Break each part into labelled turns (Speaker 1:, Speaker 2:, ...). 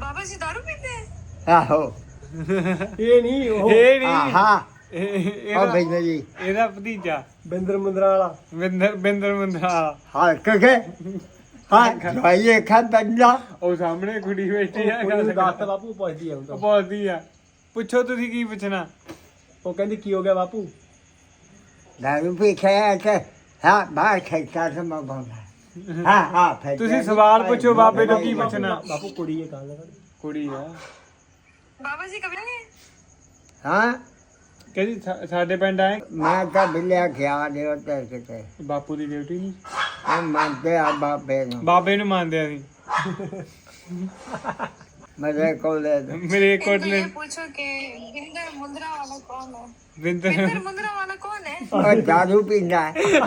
Speaker 1: बाबा जी दारू पीते हैं?
Speaker 2: ਆਹੋ
Speaker 3: ਇਹ ਨਹੀਂ ਉਹ
Speaker 4: ਇਹ ਨਹੀਂ
Speaker 2: ਆਹਾ ਉਹ
Speaker 4: ਇਹਦਾ
Speaker 2: ਬੈਠੇ ਜੀ
Speaker 4: ਇਹਦਾ ਭਤੀਜਾ
Speaker 3: ਬਿੰਦਰ ਮੁੰਦਰਾ ਵਾਲਾ
Speaker 4: ਬਿੰਦਰ ਮੁੰਦਰਾ
Speaker 2: ਹਾਂ ਕਹੇ ਹਾਂ ਭਾਈ ਖਾ ਬੰਦਾ
Speaker 4: ਉਹ ਸਾਹਮਣੇ ਕੁੜੀ ਬੈਠੀ ਆ ਗੱਲ
Speaker 3: ਦੱਸ ਬਾਪੂ ਪੁੱਛਦੀ ਆ ਹੁਣ ਤਾਂ।
Speaker 4: ਉਹ ਬੋਲਦੀ ਆ ਪੁੱਛੋ ਤੁਸੀਂ ਕੀ ਪੁੱਛਣਾ
Speaker 3: ਉਹ ਕਹਿੰਦੀ ਕੀ ਹੋ ਗਿਆ ਬਾਪੂ
Speaker 2: ਦਾਰੂ ਪੀ ਕੇ ਤੇ ਹਾਂ ਬਾਹਰ ਖੇਤਾ ਸਮਾਂ ਬੰਦਾ ਹਾਂ ਫਿਰ
Speaker 4: ਤੁਸੀਂ ਸਵਾਲ ਪੁੱਛੋ ਬਾਬੇ ਤੋਂ ਕੀ ਪੁੱਛਣਾ
Speaker 3: ਬਾਪੂ ਕੁੜੀ ਇਹ ਗੱਲ ਕਰ
Speaker 4: ਕੁੜੀ ਆ
Speaker 1: बाबा जी कब आएंगे?
Speaker 2: ਹਾਂ
Speaker 4: ਕਹਿੰਦੀ ਸਾਡੇ ਪਿੰਡ ਆਏ
Speaker 2: ਮੈਂ ਤਾਂ ਬਿਲਿਆ ਗਿਆ ਦੇ ਉੱਤੇ ਕਿਤੇ
Speaker 4: ਬਾਪੂ ਦੀ ਡਿਊਟੀ ਨਹੀਂ
Speaker 2: ਆ ਮੰਨਦੇ ਆ ਬਾਬੇ ਨੂੰ
Speaker 4: ਬਾਬੇ ਨੂੰ ਮੰਨਦੇ ਆ ਅਸੀਂ
Speaker 2: ਮੇਰੇ ਕੋਲ
Speaker 4: ਮੇਰੇ
Speaker 1: तो
Speaker 4: ਕੋਟਲੇ
Speaker 1: ये पूछो कि बिंदर मुंद्रा वाला कौन है?
Speaker 4: ਬਿੰਦਰ
Speaker 1: बिंदर मुंद्रा वाला कौन है?
Speaker 2: ਉਹ ਦਾਰੂ ਪੀਂਦਾ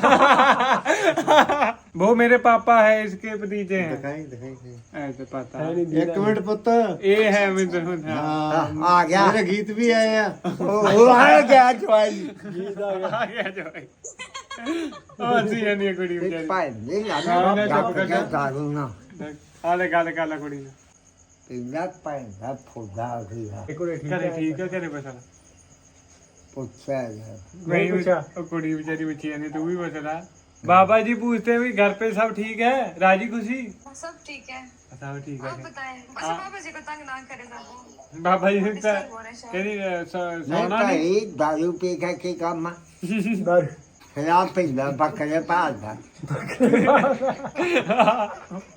Speaker 4: वो मेरे पापा है इसके भतीजे हैं
Speaker 5: दिखाई
Speaker 4: ऐसे पता
Speaker 3: ਹੈ
Speaker 4: है
Speaker 3: ਨਹੀਂ
Speaker 5: एक मिनट पुत्र
Speaker 4: ये है बिंदर मुंद्रा
Speaker 5: हाँ
Speaker 2: ਆ ਗਿਆ
Speaker 5: मेरे गीत भी आए हैं
Speaker 2: ਉਹ ਆ ਗਿਆ ਚਵਾਈ
Speaker 4: आ गया जो है और सी नहीं कुड़ी
Speaker 2: ਤੇ
Speaker 4: बेचारी
Speaker 2: ਭਾਈ ਨਹੀਂ
Speaker 4: ਹਾਂ,
Speaker 2: ਲਾਣਾ
Speaker 4: ਨਾ ਚੁੱਪ ਕਰ ਜਾ।
Speaker 2: ਦਾਰੂ ਨਾ
Speaker 4: आले गल कर ला कुड़ी
Speaker 2: ਪੀਂਦਾ ਪੈਂਦਾ ਫੁੱਦਾ ਸੀਗਾ
Speaker 3: ਇੱਕ ਹੋਰ ਠੀਕ
Speaker 4: करे
Speaker 3: ਹੈ
Speaker 4: ठीक है करे बसला
Speaker 2: ਪੁੱਛਿਆ ਗਿਆ
Speaker 4: नहीं
Speaker 3: पूछा।
Speaker 4: वो कुड़ी बेचारी बची नहीं तू भी बसला बाबा जी पूछते हैं भी घर पे सब ठीक है राजी खुशी
Speaker 1: सब ठीक है।
Speaker 4: सब ठीक
Speaker 1: आप
Speaker 4: है
Speaker 1: बताएं। बस बाबा जी को तंग ना करे ज्यादा।
Speaker 4: बाबा जी से
Speaker 1: डिस्टर्ब हो रहे हैं शायद।
Speaker 4: कहनी
Speaker 2: ਨਹੀਂ
Speaker 4: सोना नहीं
Speaker 2: ਭਾਈ ਦਾਰੂ ਪੀ ਕੇ ਕੀ ਕੰਮ ਆ
Speaker 3: ਦਰ
Speaker 2: ਖਿਲਾਫ ਪੀਂਦਾ ਬੱਕਰੇ ਭਾਲਦਾ